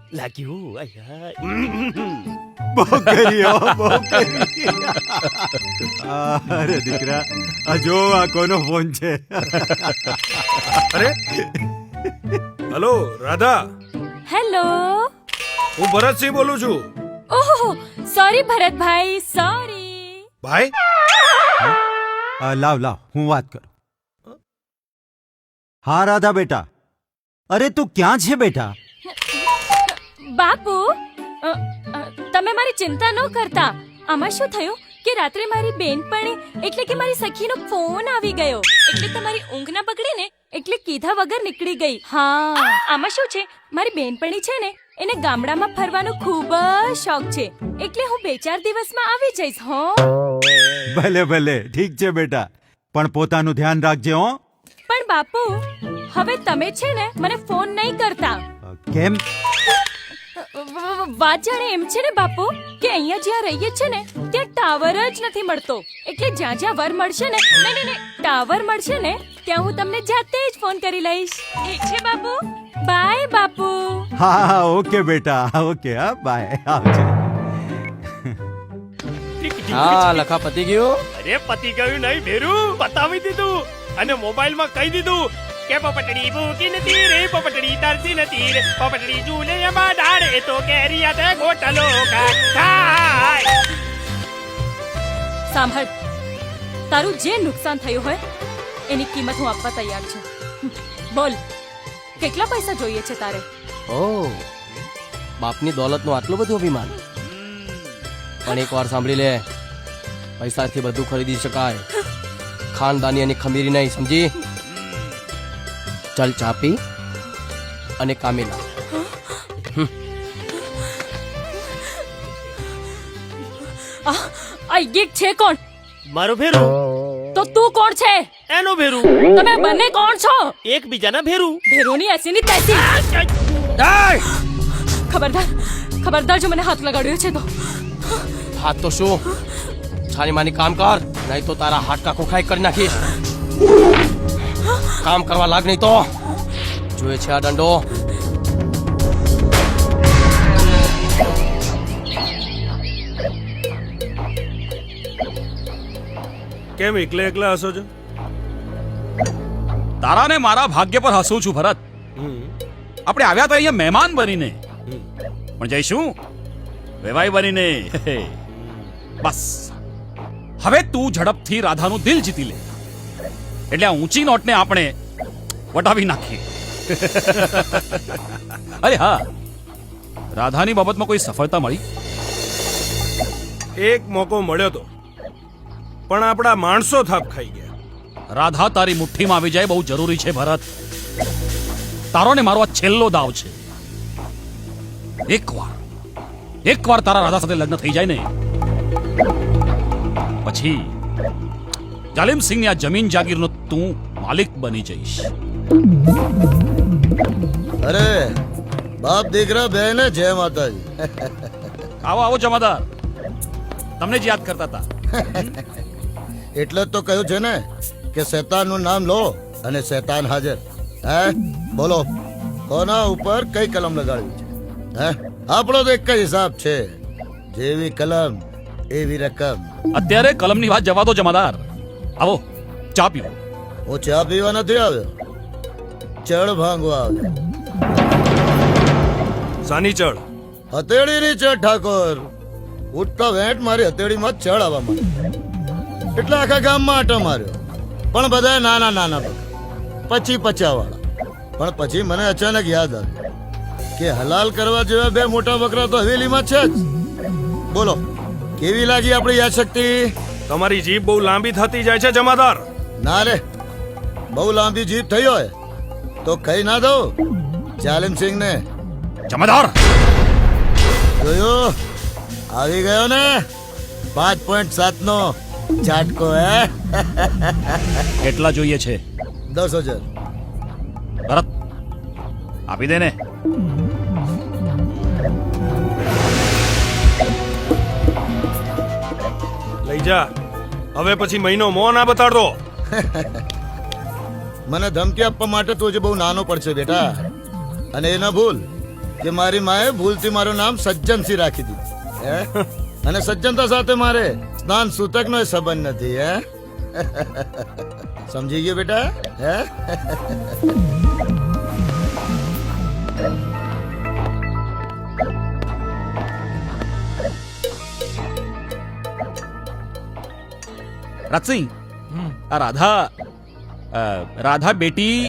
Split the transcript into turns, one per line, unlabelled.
લાગ્યું
બહુ કરી અરે દીકરા આ જો આ કોનો ફોન છે
અરે હલો રાધા,
હેલો.
હું ભરતસિંહ બોલું છું.
ઓહો, સોરી ભરતભાઈ, સોરી.
ભાઈ
લાવ હું વાત કરું. હા રાધા બેટા, અરે તું ક્યાં છે બેટા?
બાપુ, તમે મારી ચિંતા ન કરતા. આમાં શું થયું કે રાત્રે મારી બેનપણી એટલે કે મારી સખીનો ફોન આવી ગયો, એટલે તમારી ઊંઘ ના બગડી ને એટલે કીધા વગર નીકળી ગઈ. હા, આમાં શું છે, મારી બેનપણી છે ને એને ગામડામાં ફરવાનો ખૂબ જ શોખ છે, એટલે હું 2-4 દિવસમાં આવી જઈશ. હો,
ભલે ભલે ઠીક છે બેટા, પણ પોતાનું ધ્યાન રાખજે હો.
પણ બાપુ હવે તમે છે ને મને ફોન નહીં કરતા.
કેમ?
વાત જાણે એમ છે ને બાપુ કે અહીંયા જ્યાં રહીએ છે ને ત્યાં ટાવર જ નથી મળતો, એટલે જ્યાં જ્યાં વર મળશે ને નહીં ટાવર મળશે ને ત્યાં હું તમને જાતે જ ફોન કરી લઈશ. ઠીક છે બાપુ? બાય બાપુ.
હા ઓકે બેટા, ઓકે. હા બાય, આવજે.
હા લખા પતી ગયું.
અરે પતિ ગયું નહીં ભેરું, બતાવી દીધું અને મોબાઈલમાં કહી દીધું કે પોપટડી ભૂકી નથી રે, પોપટડી તરસી નથી રે, પોપટડી ઝૂલે એમાં ડાળે તો કેરી તે ગોટલો ખાય.
સાંભળ, તારું જે નુકસાન થયું હોય એની કિંમત હું આપવા તૈયાર છું. બોલ, કેટલા પૈસા જોઈએ છે તારે?
ઓ બાપની દોલતનું આટલું બધું અભિમાન. પણ એક વાર સાંભળી લે, પૈસાથી બધું ખરીદી શકાય, ખાનદાની અને ખમીરી નહીં, સમજી? ચલ ચા પી અને કામે લાગ.
આ ગીક છે કોણ?
મારું ભેરું.
તો તું કોણ છે?
એનું ભેરું.
તમે બંને કોણ છો?
એકબીજાના ભેરું.
ભેરોની એસીની તેસી. ખબરદાર જો મને હાથ લગાડ્યો છે તો.
હાથ તો શું, છાની માની કામ કર, નહીં તો તારા હાડકા ખોખાઈ કરી નાખીશ. કામ કરવા લાગ, નહીં તો જોયે છે આ દંડો.
કેમ એકલા હસો છો?
તારા ને મારા ભાગ્ય પર હસું છું ભરત. આપણે આવ્યા તો અહીંયા મહેમાન બનીને, પણ જઈશું વેવાઈ બનીને. બસ હવે તું ઝડપથી રાધાનું દિલ જીતી લે, એટલે આ ઊંચી નોટને આપણે વટાવી નાખીએ. અરે હા, રાધાની બાબતમાં કોઈ સફળતા મળી?
એક મોકો મળ્યો તો, પણ આપણા માણસો થાપ ખાઈ ગયા.
રાધા તારી મુઠ્ઠીમાં આવી જાય બહુ જરૂરી છે ભરત. તારો ને મારો આ છેલ્લો દાવ છે. એકવાર તારા રાધા સાથે લગ્ન થઈ જાય ને પછી જાલિમ સિંહની આ જમીન જાગીરનો તું માલિક બની જઈશ.
અરે બાપ દીકરા બેને જય માતાજી.
આવો જમાદાર, તમને જ યાદ કરતા હતા.
એટલે જ તો કહ્યું છે ને કે શેતાનનું નામ લો અને શેતાન હાજર. હે બોલો, કોના ઉપર કઈ કલમ લગાડવી છે? હે આપણો તો એક જ હિસાબ છે, જેવી કલમ એવી રકમ.
અત્યારે કલમની વાત જવા દો જમાદાર, આવો ચા પીવો.
હું ચા પીવા નથી આવ્યો, ચડ ભાંગવા આવ્યો.
સાની ચડ?
હથેળીની ચડ ઠાકોર. ઉઠતા વેંટ મારી હથેળીમાં ચડ આવવા માંડી, એટલે આખા ગામમાં આટો માર્યો, પણ બધા નાના પછી પચાવાળા. પણ પછી મને અચાનક યાદ આવ્યું કે હલાલ કરવા જેવા 2 મોટા બકરા તો હવેલીમાં છે જ. બોલો કેવી લાગી આપણી યાદશક્તિ?
તમારી જીભ બહુ લાંબી થતી જાય છે જમાદાર.
ના રે, બહુ લાંબી જીભ થઈ હોય તો ખાઈ ના દઉં જાલિમ સિંહ ને.
જમાદાર
જોયું, આવી ગયો ને 5.7 નો ઝાટકો. હે
કેટલા જોઈએ છે?
10,000.
ભરત આપી દે ને.
લઈ જા, હવે પછી મહિનો મોં ના બતાડતો.
મને ધમકી આપવા માટે તું હજી બહુ નાનો પડશે બેટા, અને એ ના ભૂલ કે મારી માએ ભૂલથી મારું નામ સજ્જનસિંહ રાખી દીધું હે અને સજ્જનતા સાથે મારે સ્નાન સૂતકનો સંબંધ નથી હે સમજી ગયો બેટા હે
રાજસિંહ આ રાધા રાધા બેટી